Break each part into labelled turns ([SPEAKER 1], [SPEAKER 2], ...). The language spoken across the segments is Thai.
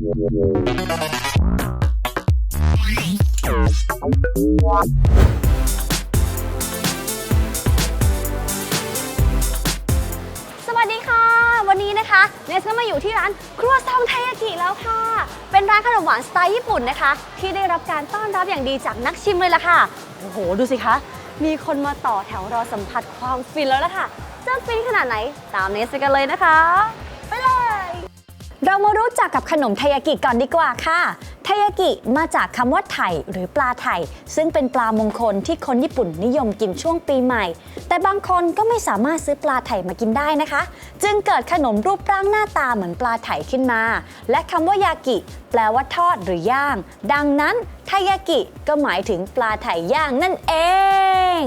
[SPEAKER 1] สวัสดีค่ะวันนี้นะคะเนสก็มาอยู่ที่ร้านครัวซองไทยากิแล้วค่ะเป็นร้านขนมหวานสไตล์ญี่ปุ่นนะคะที่ได้รับการต้อนรับอย่างดีจากนักชิมเลยล่ะค่ะโอ้โหดูสิคะมีคนมาต่อแถวรอสัมผัสความฟินแล้วล่ะค่ะจะฟินขนาดไหนตามเนสไปกันเลยนะคะไปเลยเรามารู้จักกับขนมไทยากิก่อนดีกว่าค่ะไทยากิมาจากคำว่าไถ่หรือปลาไถ่ซึ่งเป็นปลามงคลที่คนญี่ปุ่นนิยมกินช่วงปีใหม่แต่บางคนก็ไม่สามารถซื้อปลาไถ่มากินได้นะคะจึงเกิดขนมรูปร่างหน้าตาเหมือนปลาไถ่ขึ้นมาและคำว่ายากิแปลว่าทอดหรือย่างดังนั้นไทยากิก็หมายถึงปลาไถ่ย่างนั่นเอง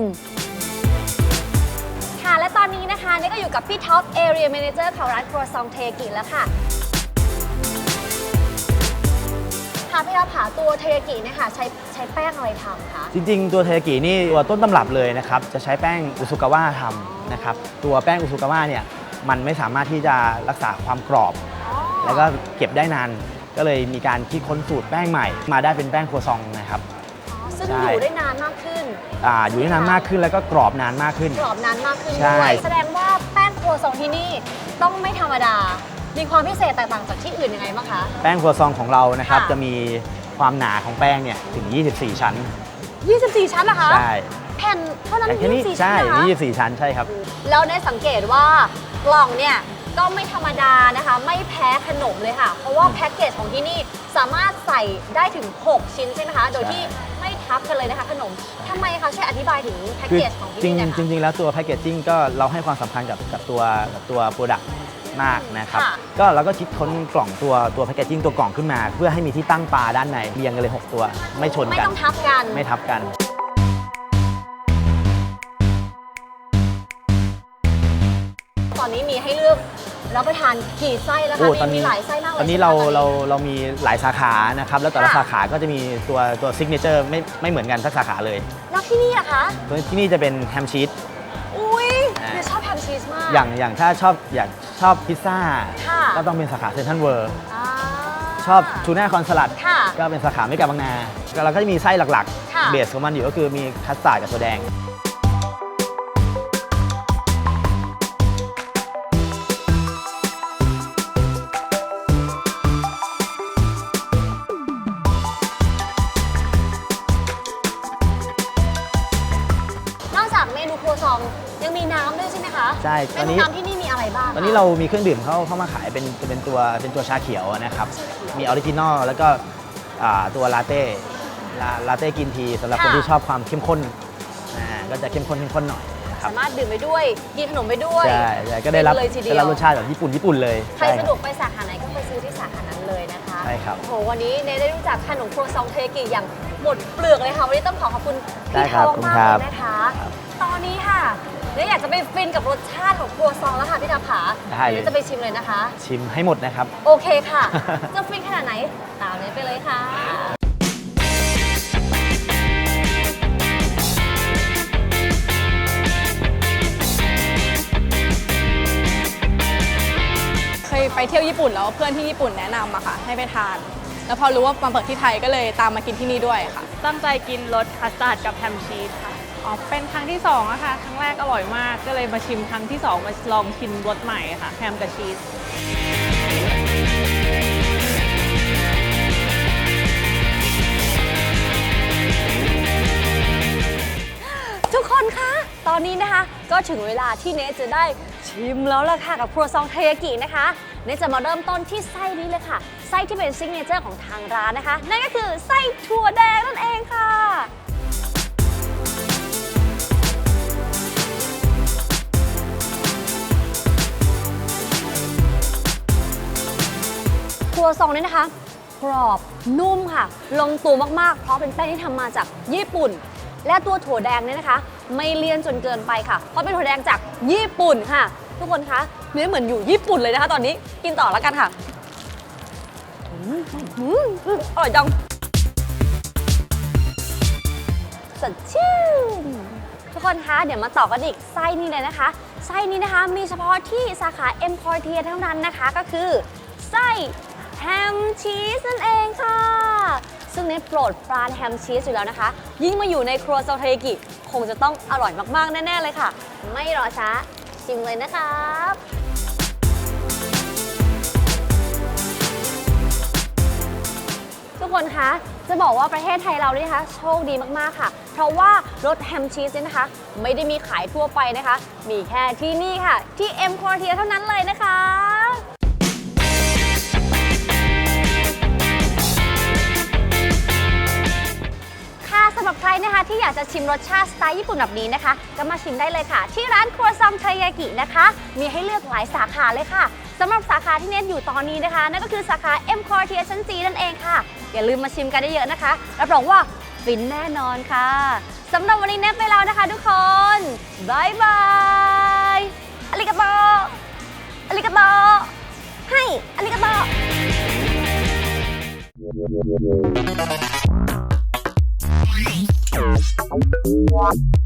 [SPEAKER 1] ค่ะและตอนนี้นะคะนี่ก็อยู่กับพี่ท็อป Area Manager ของร้านครัวซองไทยากิแล้วค่ะพี่ท็อปค่ะตัวเทยากิเนี่ยค่ะใช้แป้งอะไรทำคะ
[SPEAKER 2] จริงๆตัวเทยากินี่ตัวต้นตำรับเลยนะครับจะใช้แป้งอุซุกาวะทำนะครับตัวแป้งอุซุกาวะเนี่ยมันไม่สามารถที่จะรักษาความกรอบแล้วก็เก็บได้นานก็เลยมีการคิดค้นสูตรแป้งใหม่มาได้เป็นแป้งครัวซองนะครับ
[SPEAKER 1] ซึ่งอยู่ได้นานมากขึ้น
[SPEAKER 2] อยู่ได้นานมากขึ้นแล้วก็กรอบนานมากขึ้น
[SPEAKER 1] กรอบนานมากขึ้นด้วยแสดงว่าแป้งครัวซองที่นี่ต้องไม่ธรรมดามีความพิเศษแตกต่างจากที่อื่นยังไงบ้างคะ
[SPEAKER 2] แป้งครัวซองของเรานะครับจะมีความหนาของแป้งเนี่ยถึง24ชั้น
[SPEAKER 1] 24ชั้นเหรอคะ
[SPEAKER 2] ใช่
[SPEAKER 1] แผ่นเท่านั้น24ชั้น
[SPEAKER 2] ใช่
[SPEAKER 1] นะคะ
[SPEAKER 2] 24ชั้นใช่ครับ
[SPEAKER 1] แล้วได้สังเกตว่ากล่องเนี่ยก็ไม่ธรรมดานะคะไม่แพ้ขนมเลยค่ะเพราะว่าแพ็กเกจของที่นี่สามารถใส่ได้ถึง6ชิ้นใช่ไหมคะโดยที่ไม่ทับกันเลยนะคะขนมทำไมคะช่วยอธิบายถึงแพ็กเกจของที่นี่หน่อยค่ะ
[SPEAKER 2] จริงๆแล้วตัวแพ็กเกจจิ้งก็เราให้ความสำคัญกับตัวโปรดักต์มากนะครับก็เราก็คิดค้นกล่องตัวแพคเกจจิ้งตัวกล่องขึ้นมาเพื่อให้มีที่ตั้งปลาด้านในเรียงกันเลย6ตัวไม่ชนกัน
[SPEAKER 1] ไม่ต้องทับกัน
[SPEAKER 2] ไม่ทับกัน
[SPEAKER 1] ตอนนี้มีให้เลือกรับประทานกี่ไส้แล้วคะมีหลายไส้มากเลย
[SPEAKER 2] ตอนนี้เรามีหลายสาขานะครับแล้วแต่ละสาขาก็จะมีตัวซิกเนเจอร์ไม่เหมือนกันทุกสาขาเลย
[SPEAKER 1] แล้วที่นี่อะคะ
[SPEAKER 2] ที่นี่จะเป็นแฮมชีส
[SPEAKER 1] อุ้ยชอบแฮมชีสมาก
[SPEAKER 2] อย่างถ้าชอบพิซซ่าก็ต้องเป็นสาขาเซ็นทรัลเวิลด์ชอบทูน่าคอนสลัดก็เป็นสาขาไม่กาบางนาเราก็จะมีไส้หลักๆเบสของมันอยู่ก็คือมีคัสตาร์ดกับถั่วแดง
[SPEAKER 1] เมนูครัวซองยังมีน้ำด้วยใช่ไหมคะ
[SPEAKER 2] ใช่
[SPEAKER 1] ตอนนี้น้ำที่นี่มีอะไรบ้าง
[SPEAKER 2] ตอนนี้เรามีเครื่องดื่มเข้ามาขายเป็นตัวชาเขียวนะครับมีออริจินอลแล้วก็ตัวลาเต้กินทีสำหรับคนที่ชอบความเข้มข้นก็จะเข้มข้นหน่อย
[SPEAKER 1] สามารถดื่มไปด้วยกินขนมไปด้วย
[SPEAKER 2] ใช่ก็ได้รับรสชาติแบบญี่ปุ่นเลย
[SPEAKER 1] ใครสะดวกไปสาขาไหนก็ไปซื้อที่สาขานั้นเลยนะคะ
[SPEAKER 2] ใช่ครับ
[SPEAKER 1] โอ้โหวันนี้เนยได้รู้จักขนมครัวซองเทยากิอย่างหมดเปลือกเลยค่ะวันนี้ต้องขอบคุณพี่ท็อปมากเลยนะคะตอนนี้ค่ะเนยอยากจะไปฟินกับรสชาติของครัวซองแล้วค่ะพี่ท็อปขาเนยจะไปชิมเลยนะคะ
[SPEAKER 2] ชิมให้หมดนะครับ
[SPEAKER 1] โอเคค่ะจะฟินขนาดไหนตามเนยไปเลยค่ะ
[SPEAKER 3] เคยไปเที่ยวญี่ปุ่นแล้วเพื่อนที่ญี่ปุ่นแนะนำอะค่ะให้ไปทานแล้วพอรู้ว่ามาเปิดที่ไทยก็เลยตามมากินที่นี่ด้วยค่ะ
[SPEAKER 4] ตั้งใจกินรสคัสตาร์ดกับแฮมชีสค่ะเป็นครั้งที่2อะค่ะครั้งแรกอร่อยมากก็เลยมาชิมครั้งที่2มาลองชิมรสใหม่ค่ะแฮมกับชีส
[SPEAKER 1] ทุกคนคะตอนนี้นะคะก็ถึงเวลาที่เนสจะได้ชิมแล้วล่ะค่ะกับครัวซองเทยากินะคะเนสจะมาเริ่มต้นที่ไส้นี้เลยค่ะไส้ที่เป็นซิกเนเจอร์ของทางร้านนะคะนั่นก็คือไส้ถั่วแดงนั่นเองค่ะครัวซองนี้นะคะกรอบนุ่มค่ะลงตัวมากๆเพราะเป็นแป้งที่ทำมาจากญี่ปุ่นและตัวถั่วแดงเนี่ยนะคะไม่เลี่ยนจนเกินไปค่ะเพราะเป็นถั่วแดงจากญี่ปุ่นค่ะทุกคนคะเนื้อเหมือนอยู่ญี่ปุ่นเลยนะคะตอนนี้กินต่อแล้วกันค่ะอร่อยจังสดชื่นทุกคนคะเดี๋ยวมาต่อกันอีกไส้นี้เลยนะคะไส้นี้นะคะมีเฉพาะที่สาขาเอ็มพอร์เทียเท่านั้นนะคะก็คือไส้แฮแฮมชีสนั่นเองค่ะ ซึ่งเนทโปรดปรานแฮมชีสอยู่แล้วนะคะ ยิ่งมาอยู่ในครัวซองเทกิคงจะต้องอร่อยมากๆแน่ๆเลยค่ะ ไม่รอช้าชิมเลยนะครับ ทุกคนคะ จะบอกว่าประเทศไทยเราเนี่ยนะคะโชคดีมากๆค่ะ เพราะว่ารสแฮมชีสเนี่ยนะคะ ไม่ได้มีขายทั่วไปนะคะ มีแค่ที่นี่ค่ะ ที่ M Quartier เท่านั้นเลยนะคะ ค่ะสำหรับใครนะคะที่อยากจะชิมรสชาติสไตล์ญี่ปุ่นแบบนี้นะคะ ก็มาชิมได้เลยค่ะ ที่ร้านครัวซองเทยากินะคะ มีให้เลือกหลายสาขาเลยค่ะสำหรับสาขาที่เน็ตอยู่ตอนนี้นะคะ นั่นก็คือสาขา M Quartier ชั้นจีนั่นเองค่ะ อย่าลืมมาชิมกันได้เยอะนะคะ รับรองว่าฟินแน่นอนค่ะสำหรับวันนี้เน็ตไปแล้วนะคะทุกคนบายบายอาริกาโตอาริกาโตให้อาริกาโต
[SPEAKER 5] What?